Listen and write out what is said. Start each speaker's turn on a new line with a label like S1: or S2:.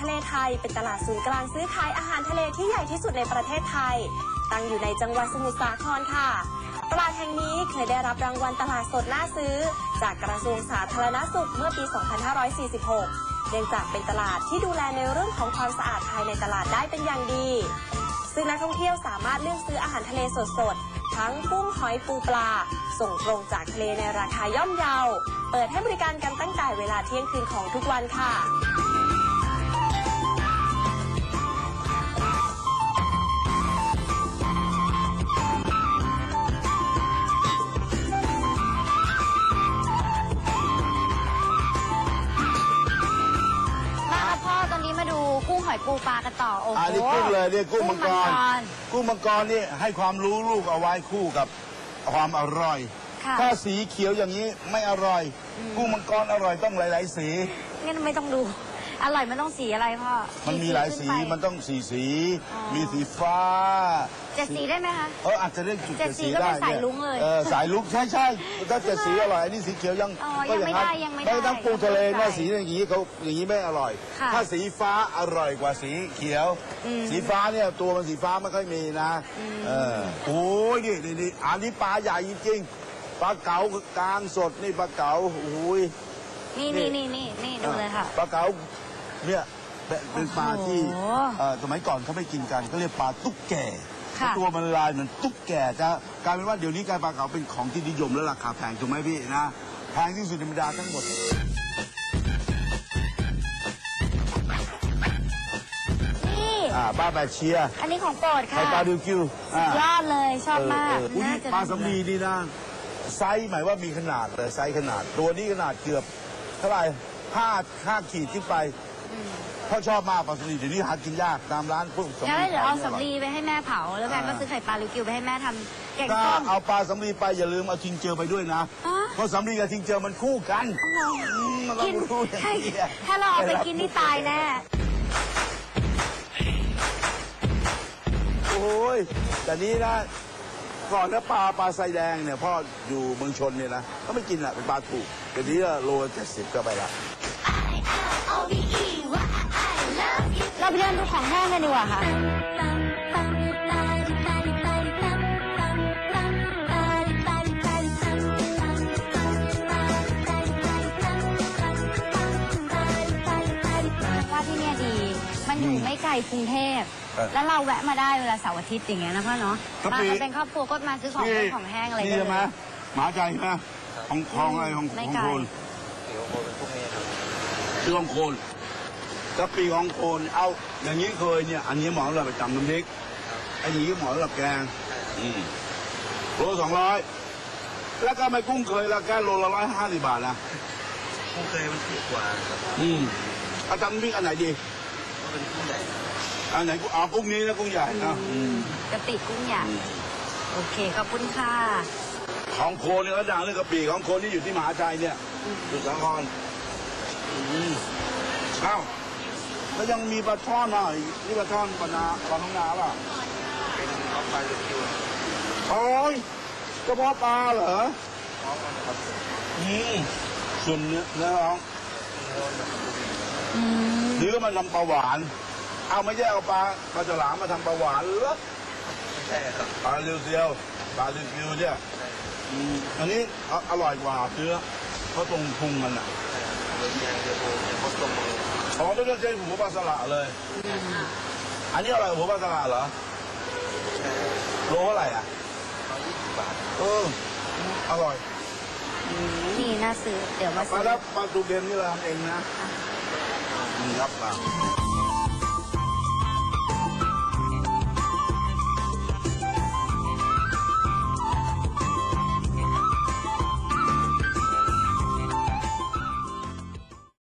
S1: ทะเลไทยเป็นตลาดศูนย์กลางซื้อขายอาหารทะเลที่ใหญ่ที่สุดในประเทศไทยตั้งอยู่ในจังหวัดสมุทรสาครค่ะตลาดแห่งนี้เคยได้รับรางวัลตลาดสดน่าซื้อจากกระทรวงสาธารณสุขเมื่อปี 2546 เนื่องจากเป็นตลาดที่ดูแลในเรื่องของความสะอาดภายในตลาดได้เป็นอย่างดีซึ่งนักท่องเที่ยวสามารถเลือกซื้ออาหารทะเลสดๆทั้งกุ้งหอยปูปลาส่งตรงจากทะเลในราคาย่อมเยาเปิดให้บริการกันตั้งแต่เวลาเที่ยงคืนของทุกวันค่ะ
S2: กุ้งหอยปูปลากันต่อโอ้โห
S3: นี่กุ้งเลยเนี่ยกุ้งมังกรกุ้งมังกรนี่ให้ความรู้ลูกเอาไว้คู่กับความอร่อยถ้าสีเขียวอย่างนี้ไม่อร่อยกุ้งมังกรอร่อยต้องหลายๆสี
S2: งั้นไม่ต้องดูอร่อยมันต้องสีอะไรพ่อ
S3: มันมีหลายสีมันต้องสีมีสีฟ้า
S2: 7 สีได้ไหมคะ
S3: อาจจะเรียกจุด7 สี
S2: ได้สายลุ้งเลย
S3: สายลุ้งใช่ถ้า7 สีอร่อยอันนี้สีเขียวยัง
S2: ไม่ได้
S3: ไม่ต้องปูทะเลเนี่ยสีอย่างนี้เขาอย่างนี้ไม่อร่อยถ้าสีฟ้าอร่อยกว่าสีเขียวสีฟ้าเนี่ยตัวมันสีฟ้าไม่ค่อยมีนะโอ้ยนี่อันนี้ปลาใหญ่จริงๆปลาเก๋ากลางสดนี่ปลาเก๋าโอ้ย
S2: นี่ดูเลยค่ะ
S3: ปลาเก๋าเนี่ยเป็นปลาที่สมัยก่อนเขาไม่กินกันเขาเรียกปลาตุ๊กแกตัวมันลายเหมือนตุ๊กแกจะกลายเป็นว่าเดี๋ยวนี้การปลาเก๋าเป็นของที่นิยมและราคาแพงถูกไหมพี่นะแพงที่สุดในบรรดาทั้งหมด
S2: นี่
S3: ปลาแบกเชีย
S2: อันนี้ของโปรดค่ะ
S3: ปลาดิวคิวย
S2: อดเลยชอบมาก
S3: ปลาสำลีนี่นะไซส์หมายว่ามีขนาดเลยไซส์ขนาดตัวนี้ขนาดเกือบเท่าไหร่5 ขีดขึ้นไปพ่อชอบมากปลาสำลีเดี๋ยวนี้หากินยากตามร้านพวกสำลี
S2: งั้นเดี๋ยวเอาสำลีไปให้แม่เผาแล้วแม่ก็ซื้อไข่ปลาลิวกิวไปให้แม่ทำแกงส้ม
S3: เอาปลาสำลีไปอย่าลืมเอาทิงเจอไปด้วยนะเพราะสำลีกับทิงเจอมันคู่กัน
S2: กินถ้าเราเอาไปกินนี่ตายแน่
S3: โอ้ยแต่นี้นะก่อนนะปลาไซแดงเนี่ยพ่ออยู่เมืองชนเนี่ยนะก็ไม่กินอ่ะเป็นปลาถูกเดี๋ยวนี้โล70ก็ไปละ
S2: เราไปเดินดูของแห้งกันดีกว่าค่ะว่าที่นี่ดีมันอยู่ไม่ไกลกรุงเทพแล้วเราแวะมาได้เวลาเสาร์อาทิตย์อย่างเงี้ยนะพ่อเนาะมาเป็นครอบครัวก็มาซื้อของแห้งอะไร
S3: นี่ใช่ไหมหมาใจใช่ไหมของอะไรของโคนชื่อของโคนกะปิของโคนเอาอย่างนี้เคยเนี่ยอันนี้หมอเราไปจำน้ำพริกอันนี้หมอเราแกงโล200แล้วก็ไม่กุ้งเคยแล้วแค่โลละ150 บาทนะ
S4: กุ้งเคยมันถูกกว่า
S3: เอาจำน้ำพริกอันไหนดี
S4: เป็นกุ้งใหญ่
S3: อันไหนกุ้งนี้นะกุ้งใหญ่นะ
S2: กะปิกุ้งใหญ่โอเคขอบคุณค่ะ
S3: ของโคนเนี่ยก็ดังเรื่องกะปิของโคนที่อยู่ที่มหาชัยเนี่ยสุสาครเอ้าแล้วยังมีปลาช่อนอ่ะนี่ปลาช่อนปลาท้องนาป่ะ
S4: เป็นปลาลิวกิว
S3: โอ้ยกระเพาะปลาเหรอส่วนเนื้อน้องหรือมันทำปลาหวานเอาไม่ใช่เอาปลาฉลามมาทำปลาหวานหรือ
S4: ใช่ครับ
S3: ปลาลิวเซียวปลาลิวกิวเนี่ยอันนี้อร่อยกว่าเนื้อเพราะตรงพุงมันอ่ะไม่ต้องใช้หัวปลาสละเลยอันนี้อะไรหัวปลาสละเหรอโลเท่าไหร่อ่ะ
S4: 20 บาท
S3: อร่อย
S2: นี่น่าซื้อเดี๋ยวมาซื้อ
S3: ปลาตูเบนนี่เราทำเองนะครับ